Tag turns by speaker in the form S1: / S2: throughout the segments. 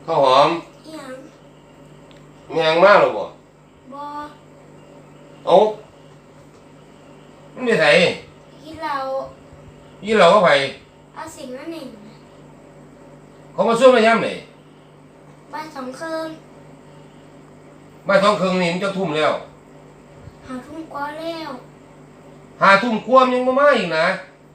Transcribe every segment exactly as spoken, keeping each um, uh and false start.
S1: ข้าวหอม
S2: ยัง
S1: แมงมากหรอบ่
S2: บอ
S1: เอามันไม่ใส่
S2: กินเรา
S1: ยี่เราก็ไป
S2: เอาสิ่งนั้นหนึ่ง
S1: เขามาช่วยมาย้ำไหน
S2: ใบสองคืน
S1: ใบสองคืนนี่มันจะทุ่มแล้ว
S2: หาทุ่มกว่าแล้ว
S1: หาทุ่มควมยังมามาอีกนะ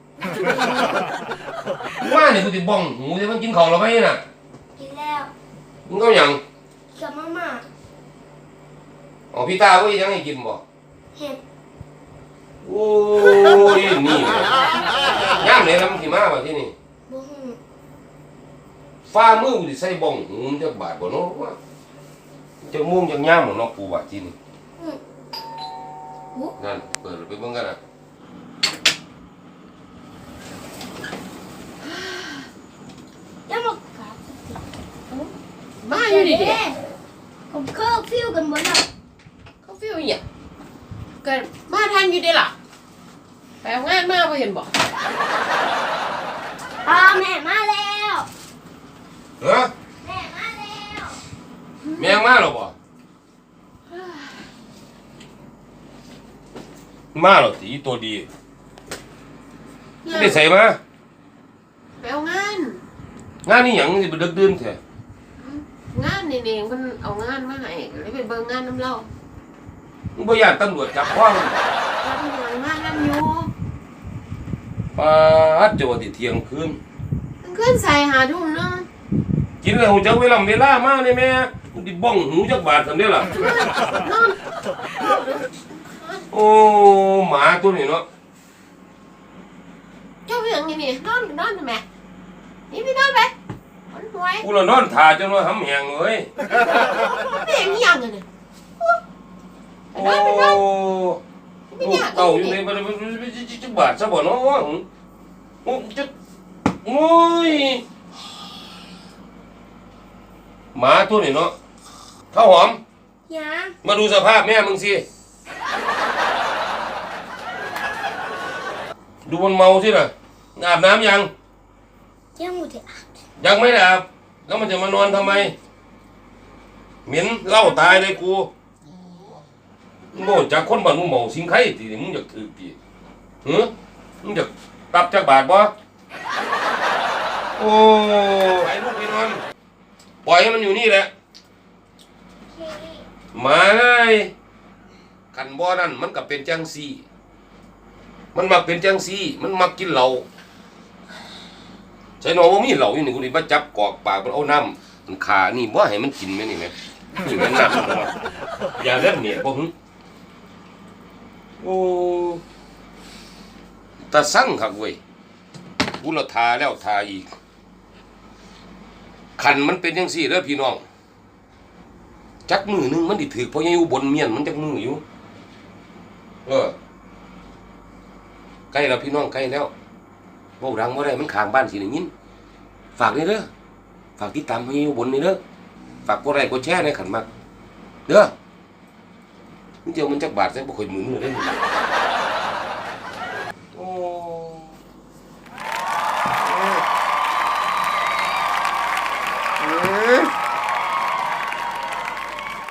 S1: มาเนี่ยกูติบ้องหูจะมันกินของเราไหมน่ะ
S2: กินแล้ว
S1: มึงก็ยัง
S2: กับมาม่า
S1: อ๋อพี่ตาก็ยังให้กินบ่
S2: เห็ด
S1: โอ้ยนี่ย่ำเลยนะมันขี่ม้าว่าที่นี่
S2: บุ้ง
S1: ฟ้ามือกูติใส่บ้องหูมันจะบาดบ่เนาะว่าจะม่วงจะย่ำเหมือนนกปูว่าที่นี่นั่นเปิดไปเบิ่งกันนะ
S2: ยังบอกกับ
S3: มาอยู่ดิเด็ก
S2: ผมเคอร์ฟิวกันหมดแล้ว
S3: เขาฟิวเนี่ยเกิดมาทันอยู่ดิล่ะไปเอางานมาพอเห็นบอก
S2: อ่าแม่มาแล้ว
S1: เฮ้อ
S2: แม่มาแล้ว
S1: แมงมาหรอบ่มาหรอสีตัวดีไม่ใส่มา
S3: ไปเอางาน
S1: งานนี่หยังสิไปดึกดื่นแท้
S3: งานนี่เองมันเอางานมาให้เลยไปเบิ่งงานน้ำเล่า
S1: มึงบ่ย่านตำรวจจับคว้าง
S3: แล้วทำงานงานน้ำอยู่
S1: ปาดจะว่าที่เที่ยงคืน
S3: มันขึ้นใส่หาทุ่มนึง
S1: กินแล้วจักเวลาเวลามาเนี่ยแม่มึงสิบ้องหูจักบาทซั่นเด้ล่ะ
S3: นอน
S1: โอ้หมาตัวนี้เนาะ
S3: เจ้าเรื่องนี่นี่นอนนอนทำไมนี่พี่นอนไปนหวย
S1: กูละนอนท่าจนว่าหำแหงเลย
S3: ไม่เห็นยังเลยเนี่ย
S1: โอ้ลูกเต่าอยู่ในบ้านจักบาทซะบ่เนาะโอ้จะโอ้ยหมาตัวนี้เนาะข้าวหอม
S2: ยัง
S1: มาดูสภาพแม่มึงสิดูมันเมาสิน่ะอาบน้ำยัง
S2: ยังไม่ได้อาบ
S1: ยังไม่ได้อาบแล้วมันจะมานอนทำไมเหม็นเหล้าตายเลยกูมึงบอกจากคนบ้านมึงเมาสิงไข่ตีมึงอยากถือตีหือมึงอยากตับจากบาทบ่โอ้ไอ้ลูกไปนอนปล่อยให้มันอยู่นี่แหละมาเลยขันบ่อนั่นมันก็เป็นจังซี่มันมักเป็นจังซี่มันมักกินเหล้าใช่น้องว่ามีเหล้าอยู่นี่กูนี่มาจับกอกปากมันเอาน้ำมันขานี่บ่ให้มันกินไหมนี่ไหมนี่มันน้ำอย่าเล่นเนี่ยบ่หึโอ้ตาสั่งคักเว้ยกูละทาแล้วทาอีกขันมันเป็นจังซี่เด้อพี่น้องจักมือนึงมันดิถือเพราะยังอยู่บนเมียนมันจักมืออยู่เออใกล้แล้วพี่น้องใกล้แล้วเบาดังบ่ได้มันข้างบ้านสิได้ยินฝากนี่เด้อฝากติดตามให้อยู่บนนี่เด้อฝากกดไลค์กดแชร์ในขันมากเด้อมันเจียวมันจักบาทใส่บ่ค่อยหมุนเลย